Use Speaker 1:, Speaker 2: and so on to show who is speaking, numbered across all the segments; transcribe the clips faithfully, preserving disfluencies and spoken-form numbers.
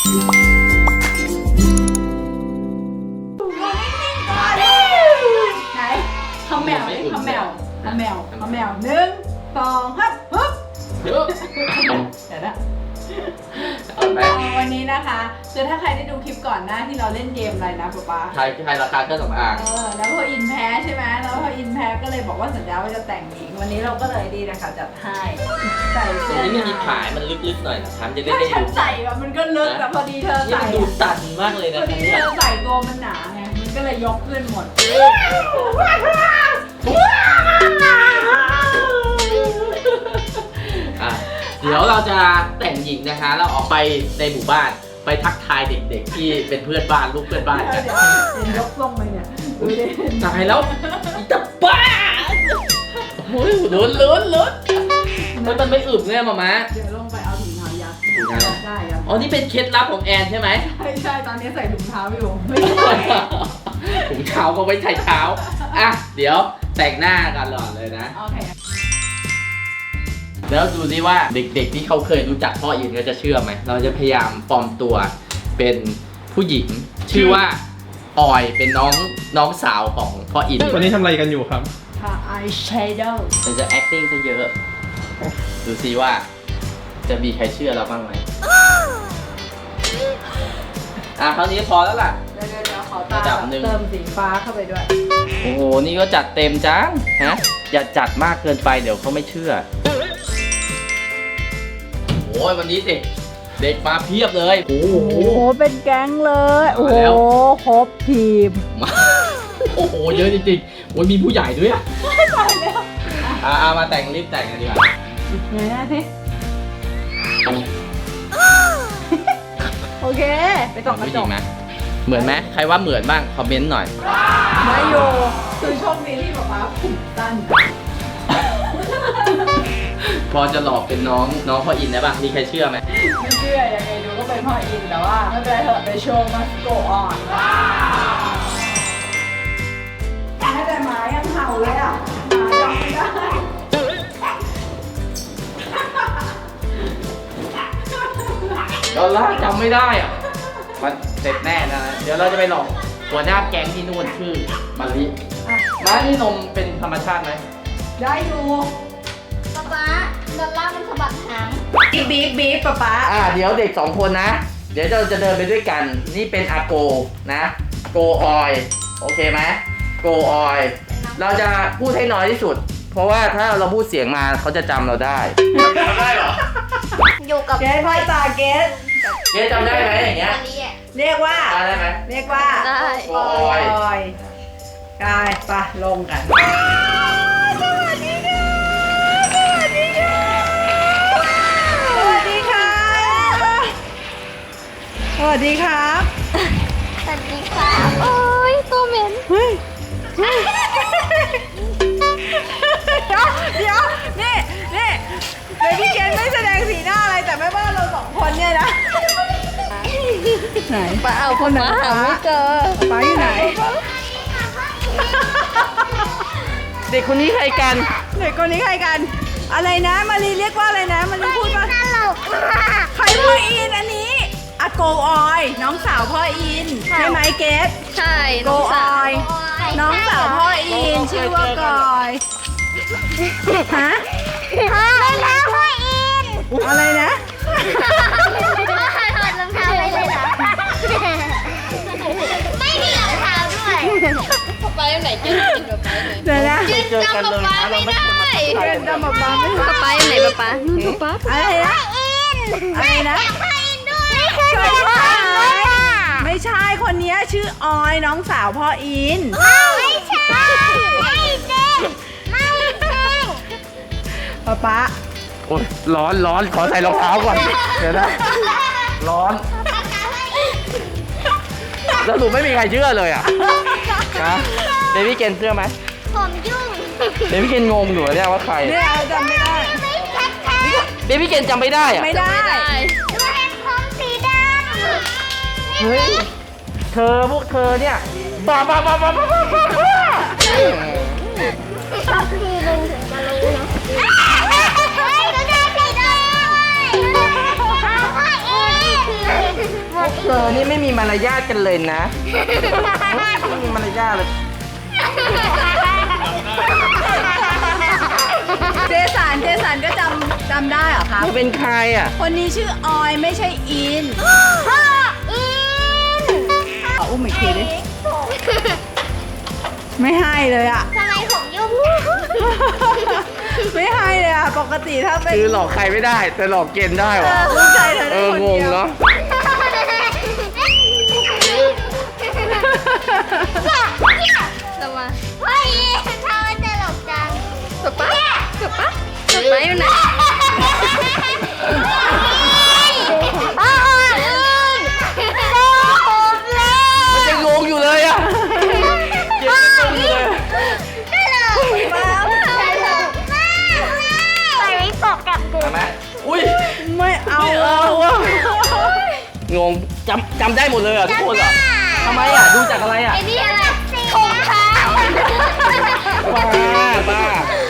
Speaker 1: ไหนทำแมวทำแมวทำแมวทำแมวหนึ่งสองฮึบฮึบเดี๋ยวนะวันนี้นะคะคือถ้าใครได้ดูคลิปก่อนหน้าที่เราเล่นเกมอะไรนะป๊าป๊า
Speaker 2: ใครใครราคาเครื่องสำอาง
Speaker 1: เออแล้วพออินแพ้ใช่ไหมแล้วพออินแพ้ก็เลยบอกว่าสัญญาว่าจะแต่งหญิงวันนี้เราก็เลยดีนะคะจัดให้ใส่
Speaker 2: ตร
Speaker 1: เสื้
Speaker 2: ง
Speaker 1: อ
Speaker 2: นี้ไม่มีขายมันลึกๆหน่อยนะครับจะได้
Speaker 1: ถ้า
Speaker 2: ได้
Speaker 1: ฉัน
Speaker 2: ดู
Speaker 1: ใส่อะมันก็ลึกแต่พอดีเธอ
Speaker 2: นี่
Speaker 1: ใส่
Speaker 2: มันดูตันมากเลย
Speaker 1: พ
Speaker 2: นะ
Speaker 1: อดี
Speaker 2: เนี่
Speaker 1: เธ
Speaker 2: ย
Speaker 1: อใส่ตัวมันหนาไงมันก็เลยยกขึ้นหมด
Speaker 2: อ่ะเดี๋ยวเราจะแต่งหญิงนะคะเราออกไปในหมู่บ้านไปทักทายเด็กๆที่เป็นเพื่อนบ้านลูกเพื่อนบ้านกัน
Speaker 1: เดี๋ยวเห็นยกทรงไปเนี่ยดูดิ
Speaker 2: ตายแล้วอีตาบ้าโอ้ยลุ้นลุ้นลุ้นมันมันไม่อึบเนี่ยมาม่า
Speaker 1: เดี๋ยวลงไปเอาถุงเท้ายัด
Speaker 2: ถุงเท้า
Speaker 1: ได้ยัด
Speaker 2: อ๋อนี่เป็นเคล็ดลับของแอนใช่ไหม
Speaker 1: ใช่ใช่ตอนนี้ใส่ถุงเท้าอยู่ไม่ใช่
Speaker 2: ถุงเท้าก็ไว้ใช้เท้าอ่ะเดี๋ยวแต่งหน้ากันหล่อนเลยนะ
Speaker 1: โอเค
Speaker 2: แล้วดูซิว่าเด็กๆที่เขาเคยรู้จักพ่ออินก็จะเชื่อไหมเราจะพยายามปลอมตัวเป็นผู้หญิง ชื่อว่าออยเป็นน้องน้องสาวของพ่ออิน
Speaker 3: วันนี้ทำอะไรกันอยู่ครับ
Speaker 1: ทาอายแชโดว์
Speaker 2: เราจะ acting ซะเยอะ ดูซิว่าจะมีใครเชื่อเราบ้างไหมอ่ะคราวนี้พอแล้วล่ะ
Speaker 1: เดี๋ยวเดี๋ยวเดี๋ยวขอตา
Speaker 2: ระดับหนึ่ง
Speaker 1: เติมสีฟ้าเข้าไปด้วย
Speaker 2: โอ้โหนี่ก็จัดเต็มจังฮะอย่าจัดมากเกินไปเดี๋ยวเขาไม่เชื่อโอ้ยวันนี้เด็กเด็กมาเพียบเลยโอ้โห
Speaker 1: โอ้โหเป็นแก๊งเลย โอ้
Speaker 2: มา
Speaker 1: โห
Speaker 2: แล้ว
Speaker 1: ครบทีม
Speaker 2: มาโอ้โหเยอะจริงๆโอ้ยมีผู้ใหญ่ด้วยอ่ะ
Speaker 1: ตายแล้ว
Speaker 2: อ่ะเอามาแต่งรีบแต่งกันดีกว่า
Speaker 1: ไหนนะสิโอเค ไปส่องกระ
Speaker 2: ผู้ห
Speaker 1: จ
Speaker 2: ญิ
Speaker 1: ก
Speaker 2: งไหมเหมือนไหมใครว่าเหมือนบ้างคอมเมนต์หน่อย
Speaker 1: ไม่โยคือโชคดีที่ป๊าป๊าผมสั้น
Speaker 2: พอจะหลอกเป็นน้องน้องพ่ออินได้ป่ะมีใครเชื่อไหม
Speaker 1: ไม่เชื่อยังไงดูก็เป็นพ่ออินแต่ว่าไม่เป็นไรเถอะไปโชว์มาสโกออนแต่หมายังเห่าเลยอ่ะหมาจำไม่ได้
Speaker 2: ดอลล่าร์จำไม่ได้อ่ะมันเสร็จแน่นะเดี๋ยวเราจะไปหลอกหัวหน้าแก๊งที่นู่นชื่อมาริมานี่นมเป็นธรรมชาติไหม
Speaker 1: ได้อยู่
Speaker 4: ป๊าป๊าดอลล่าร์มันสะบัดหาง
Speaker 1: บีบบีบบีบป๊าป๊า
Speaker 2: อ่าเดี๋ยวเด็กสองคนนะ เดี๋ยวเราจะเดินไปด้วยกันนี่เป็นอาโกนะโกออยโอเคไหมโกออยเราจะพูดให้น้อยที่สุด เพราะว่าถ้าเราพูดเสียงมาเขาจะจำเราได้จำได้เหรอ
Speaker 4: อยู่กับ
Speaker 1: เกสพ่อตาเกส
Speaker 2: เจ๊จำได้ไหมอย่างเงี้ย
Speaker 4: วันนี้อ่ะ
Speaker 1: เรียกว่า
Speaker 2: จำได้ไหม
Speaker 1: เรียกว่า
Speaker 4: ได้
Speaker 2: โกออย
Speaker 1: ยกายปะลงกันสวัสดีค่ะสวัสดีครับ
Speaker 4: สวัสดีค่ะโอ้ยตัวเหม็น
Speaker 1: เฮ้ยเฮ้ยเดี๋ยวเดี๋ยวนี่นี่เบบี้เกนไม่แสดงสีหน้าอะไรแต่แม่บ้านเราสองคนเนี่ยนะไหน
Speaker 4: ป้าเอาคนมาหาไม่เจอ
Speaker 1: ป้าอยู่ไหน
Speaker 2: เด็กคนนี้ใครกัน
Speaker 1: เด็กคนนี้ใครกัน อะไรนะมารีเรียกว่าอะไรนะมารีพูดว่า
Speaker 4: ฮัลโหล
Speaker 1: ใครพ่ออินอันนี้อาโกออยน้องสาวพ่ออินใช่ไหมเกส
Speaker 4: ใช่
Speaker 1: โกออย น้องสาวพ่ออินชื่อว่ากอยฮะ
Speaker 4: พ่อแล้วพ่ออิน
Speaker 1: อะไรนะ
Speaker 4: พ่อถอดรองเท้าไปเลยเหรอไม่มีรองเท้าด้วยไปไหนจิ้มจิ้มกับไปไหน
Speaker 1: เดี๋ยวนะ
Speaker 4: จิ้มจำป๊าป๊าไม่ได้
Speaker 1: เดินตามป๊าป๊าไม่
Speaker 4: ป๊าป๊าไหนป๊าป๊าป๊าป๊า
Speaker 1: อะไรนะ อะไรนะ
Speaker 4: พ่ออินด้วยนี่คือ
Speaker 1: ไม่
Speaker 4: พ่อ
Speaker 1: ใช่
Speaker 4: อินด้วยอ่ะ
Speaker 1: ไม่ใช่คนนี้ชื่อออยน้องสาวพ่ออิน
Speaker 4: ไม่ใช่ไม่จริงไม่จริง
Speaker 1: ป๊าป๊า
Speaker 2: โอ้ยร้อนร้อนขอใส่รองเท้าก่อนเดี๋ยวนะร้อนแล้วหนูไม่มีใครเชื่อเลยอ่ะนะเดวี่เกนเชื่อไหม
Speaker 4: ผมยุ่ง
Speaker 2: เดวี่เกนงงอยู่เนี่ยว่าใคร
Speaker 1: เนี่ยเราจำไม่ได้
Speaker 4: ไม่ชัดชัด
Speaker 2: เดวี่เกนจำไม่ได้อ่ะ
Speaker 1: ไม่ได้
Speaker 4: ดูเห็นผมสีดำ
Speaker 2: เฮ้ยเธอพวกเธอเนี่ยบ้าบ้าบ้าบ้าบ้าบ้าบ้า
Speaker 4: ชอบทีนึงถึงจะรู้นะเฮ้ยดูได้สีดำพ่อเอง
Speaker 1: โอ้
Speaker 2: มารยาทกันเลยนะไม่มีมารยาทเลย
Speaker 1: เจสันเจสันก็จำจำได้เหรอครับ
Speaker 2: เขาเป็นใครอ่ะ
Speaker 1: คนนี้ชื่อออยไม่ใช่อิน
Speaker 4: พ่ออิน
Speaker 1: ขออุ้มอีกทีดิ ไม่ให้เลยอ่ะ
Speaker 4: ทำไมผมยุ่ง
Speaker 1: ไม่ให้เลยอ่ะ ปกติถ้าเป็น
Speaker 2: คือหลอกใครไม่ได้ แต่หลอกเกณฑ์ได้
Speaker 1: เอ
Speaker 2: วะ
Speaker 1: อลูกชายเธอ
Speaker 2: เอ
Speaker 1: ได้
Speaker 2: อ
Speaker 1: คน
Speaker 2: งง
Speaker 1: เดียว
Speaker 2: เนาะ
Speaker 4: ระวังพ่ออินทำไมตลกจังจบปะจบปะจบปะอยู่ไหนพ่ออินพ่อผมเลย
Speaker 2: มันยังงงอยู่เลยอ่ะเกณฑ์ยังงงอยู่เลย
Speaker 4: ตลกมากตลกมากไปไม่ตกกับกู
Speaker 2: เห็นไหมอุ้ย
Speaker 1: ไม่เอา
Speaker 2: ไม่เอาอ่ะงงจำจำได้หมดเลยอ่ะทุกคนเหรอทำไมอ่ะดูจากอะไรอ่ะ
Speaker 4: ไอ้นี่อะไรถุงเท้า
Speaker 2: บ้าบ้า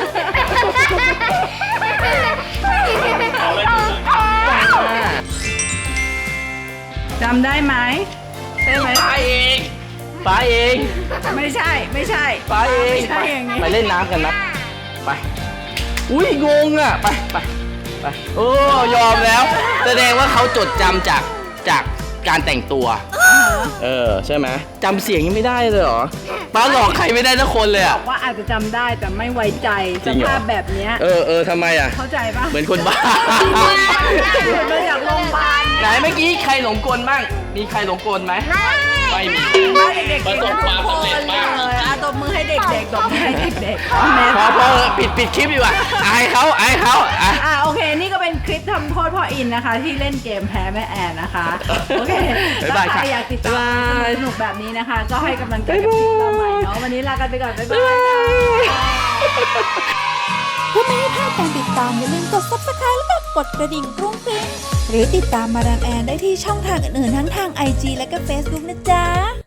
Speaker 1: จำได้ไหมใช่ไหม
Speaker 2: ป้าเองป้าเอง
Speaker 1: ไม่ใช่ไม่ใช่
Speaker 2: ป้าเอง
Speaker 1: ไม่ใช่อย่างนี้
Speaker 2: ไปเล่นน้ำกันนะไปอุ้ยงงอ่ะไปไปไปโอ้ยอมแล้ว แสดงว่าเขาจดจำจากจากการแต่งตัว เออใช่ไหมจำเสียงยังไม่ได้เลยเหรอป้าหลอกใครไม่ได้สักคนเลย
Speaker 1: บ
Speaker 2: อ่ะ
Speaker 1: อกว่าอาจจะจำได้แต่ไม่ไว้ใจ
Speaker 2: จริ
Speaker 1: ส
Speaker 2: งเหรอ
Speaker 1: ภาพแบบเนี้ย
Speaker 2: เออเออทำไมอ่ะ
Speaker 1: เข้าใจปะ
Speaker 2: เหมือนคนบ้า
Speaker 1: หลุดมาจากโรงพยาบาล
Speaker 2: ไหนเมื่อกี้ใครหลงกลบ้างมีใครหลงกลไหมไม่มี
Speaker 1: บ้านเด็กๆ
Speaker 2: ประสบความสำเร็จมาก
Speaker 1: เลยอ่ะตบมือให้เด็กๆตบมือให้เด็กๆเอาแม่
Speaker 2: พอพอปิดปิดคลิปดีกว่าอายเขาอายเขาอ่ะ
Speaker 1: อ่ะโอเค นี่ก็เป็นคลิปทำโทษพ่ออินนะคะ ที่เล่นเกมแพ้แม่แอนนะคะ โอเค
Speaker 2: บ๊ายบาย
Speaker 1: ถ้าใคร
Speaker 2: ค่ะ
Speaker 1: อยากติดตาม
Speaker 2: บ๊ายบาย
Speaker 1: สนุกๆแบบนี้นะคะ ก็ให้กำลังใจกับคลิปเราใหม่เนาะวันนี้ลากันไปก่อน บ๊ายบายค่ะ
Speaker 3: เพื่อไม่ให้พลาดการติดตามอย่าลืมกด ซับสไครบ์ และกดกระดิ่งกรุ้งกริ้งหรือติดตามมาดามแอนได้ที่ช่องทางอื่นๆทั้งทาง ไอ จี และก็ เฟซบุ๊ก นะจ๊ะ